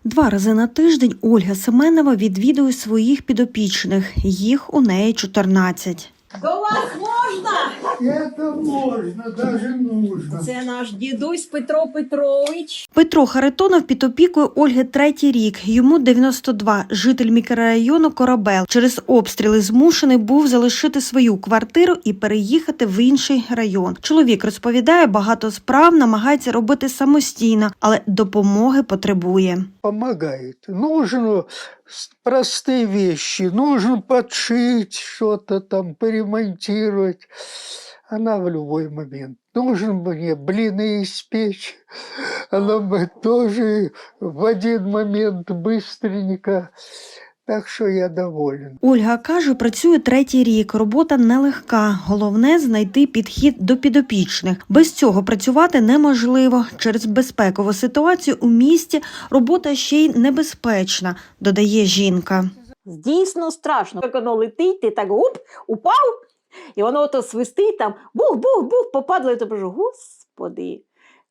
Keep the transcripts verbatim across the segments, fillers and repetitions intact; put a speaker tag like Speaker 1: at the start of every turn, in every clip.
Speaker 1: Два рази на тиждень Ольга Семенова відвідує своїх підопічних. Їх у неї чотирнадцять.
Speaker 2: До вас можна?
Speaker 3: Это можно, даже нужно.
Speaker 2: Це наш дідусь Петро Петрович.
Speaker 1: Петро Харитонов під опікою Ольги третій рік. Йому дев'яносто два, житель мікрорайону Корабел. Через обстріли змушений був залишити свою квартиру і переїхати в інший район. Чоловік розповідає, багато справ намагається робити самостійно, але допомоги потребує.
Speaker 3: Помогает. Нужно простые вещи, нужно подшить что-то там, поремонтировать. Она в любой момент. Нужно мне блины испечь. Она бы тоже в один момент быстренько. Так що я доволен.
Speaker 1: Ольга каже, працює третій рік. Робота нелегка. Головне – знайти підхід до підопічних. Без цього працювати неможливо. Через безпекову ситуацію у місті робота ще й небезпечна, додає жінка.
Speaker 2: Дійсно страшно. Як воно летить, ти так уп, упав, і воно ото свистить там, бух-бух-бух, попадло, і ти кажу, господи,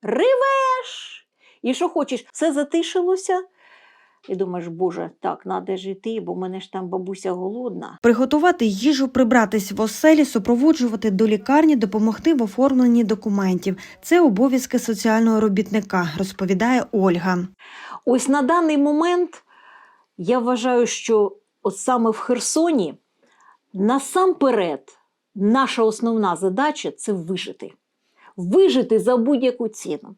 Speaker 2: ривеш. І що хочеш, все затишилося. І думаєш, боже, так, треба жити, бо в мене ж там бабуся голодна.
Speaker 1: Приготувати їжу, прибратись в оселі, супроводжувати до лікарні, допомогти в оформленні документів. Це обов'язки соціального робітника, розповідає Ольга.
Speaker 2: Ось на даний момент я вважаю, що от саме в Херсоні насамперед наша основна задача – це вижити. Вижити за будь-яку ціну.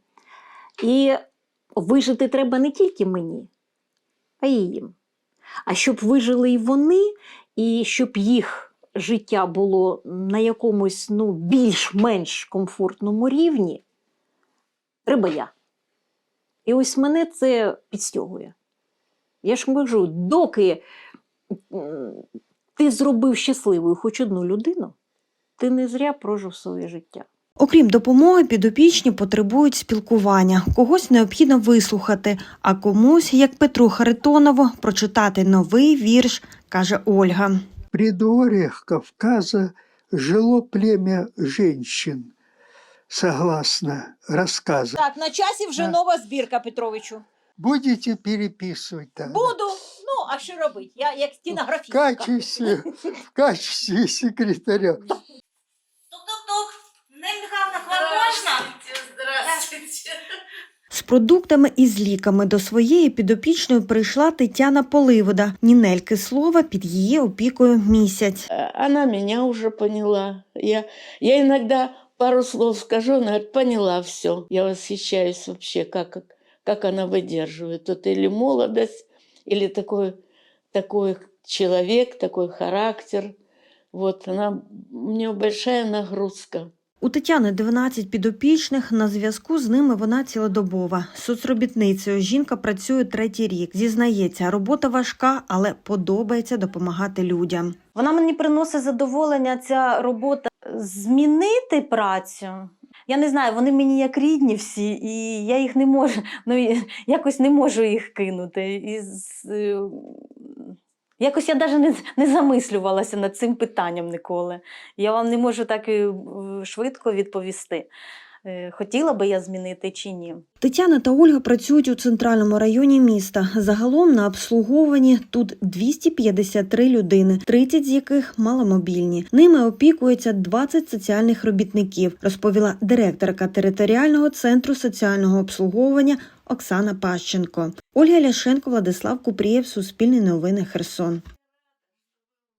Speaker 2: І вижити треба не тільки мені, а й їм. А щоб вижили і вони, і щоб їх життя було на якомусь ну, більш-менш комфортному рівні, треба я. І ось мене це підстягує. Я ж кажу, доки ти зробив щасливою хоч одну людину, ти не зря прожив своє життя.
Speaker 1: Окрім допомоги, підопічні потребують спілкування. Когось необхідно вислухати, а комусь, як Петру Харитонову, прочитати новий вірш, каже Ольга.
Speaker 3: В предгорьях Кавказа жило племя женщин, согласно рассказу.
Speaker 2: Так, на часі вже нова збірка, Петровичу.
Speaker 3: Будете переписывать там?
Speaker 2: Буду. Ну, а що робити? Я як
Speaker 3: В
Speaker 2: стенографістка.
Speaker 3: качестве, в качестве секретаря.
Speaker 4: Тук-тук-тук. Нина Михайловна, к вам можна?
Speaker 5: Здравствуйте.
Speaker 1: З продуктами і з ліками до своєї підопічної прийшла Тетяна Поливода. Нінельки слова під її опікою місяць.
Speaker 5: Она меня уже поняла. Я, я иногда пару слов скажу, она говорит, поняла все. Я восхищаюсь вообще, как, как она выдерживает. Тут или молодость, или такой, такой человек, такой характер. Вот она, у нее большая нагрузка.
Speaker 1: У Тетяни дванадцять підопічних, на зв'язку з ними вона цілодобова. Соцробітницею жінка працює третій рік. Зізнається, робота важка, але подобається допомагати людям.
Speaker 6: Вона мені приносить задоволення, ця робота, змінити працю. Я не знаю, вони мені як рідні всі, і я їх не можу, ну, якось не можу їх кинути. І, якось я навіть не, не замислювалася над цим питанням ніколи. Я вам не можу так швидко відповісти, хотіла би я змінити чи ні.
Speaker 1: Тетяна та Ольга працюють у центральному районі міста. Загалом на обслуговуванні тут двісті п'ятдесят три людини, тридцять з яких маломобільні. Ними опікується двадцять соціальних робітників, розповіла директорка територіального центру соціального обслуговування Оксана Пащенко. Ольга Ляшенко, Владислав Купрієв, Суспільне новини, Херсон.